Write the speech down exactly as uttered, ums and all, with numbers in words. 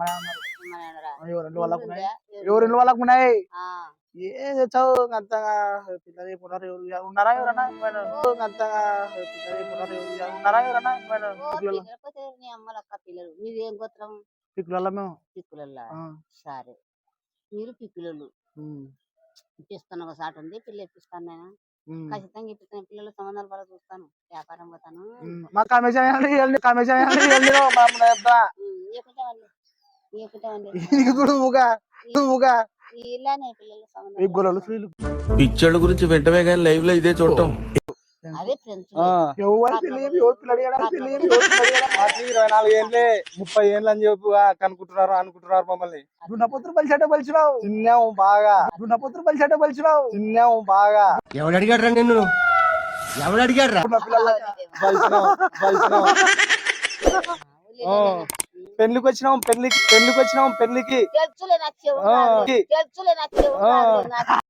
మన ఉన్నారు. మన అనరా? ఎవరి వాళ్ళకు ఉన్నాయి, ఉంటుందా? ఎవరి వాళ్ళకు ఉన్నాయి. ఆ, ఏ తెచ్చావు అంతగా పిల్లలు పునరు ఉన్నారా ఎవరన్నా అంతగా పిల్లలు పునరు ఉన్నారా ఎవరన్నా ఓ పిల్లకపోతే నీ అమ్మలక్క పిల్లలు. మీదేం గోత్రం? పిల్లల మేము పిక్కులల్లా. ఆ, సరే, మీరు పిక్కులు ఉమ్, ఇప్పిస్తాను. ఒక సాట ఉంది, పిల్ల ఇప్పిస్తాను నేను. ఉమ్, ఖచ్చితంగా ఇప్పిస్తాను. పిల్లల సంబంధాలు బాగా చూస్తాను, వ్యాపారం పోతాను. ఉమ్. మా కమిషన్ ఇవ్వండి, కమిషన్ ఇవ్వండి చెప్తా. ఏకుంటామండి ఏకుంటామండి ఇది చూడు ఊగా ఊగా ఇలానే పిల్లల ఈ సంబంధాలు గొల్లలు స్త్రీలు పిచ్చోళ్ళ గురించి వెంటనే కానీ లైవ్ లో ఇదే చూడటం. అదే ఫ్రెండ్స్. ఎవరు తెలియదు, ఎవరు పిల్లడు ఏడా తెలియదు, ఎవరు పిల్లడు ఏడా. మాకు ఇరవై నాలుగు ఏళ్ళే ముప్పై ఏళ్ళు అని చెప్పి కనుక్కుంటున్నారు అనుకుంటున్నారు మమ్మల్ని. దున్నపోతులు బలిసేట బలిచినావు, తిన్నాము బాగా, దున్నపోతులు బలిసేట బలిచినావు. తిన్నాము బాగా, ఎవడు అడిగాడు రా నిన్ను ఎవడు అడిగాడు రా బలిసినాం బలిసినాం. పెళ్లికి వచ్చినాం, పెళ్లికి పెళ్లికి వచ్చినాం, పెళ్లికి తెలుసులే నచ్చేవు ఆ. తెలుసులే నచ్చేవు ఆ. నాకు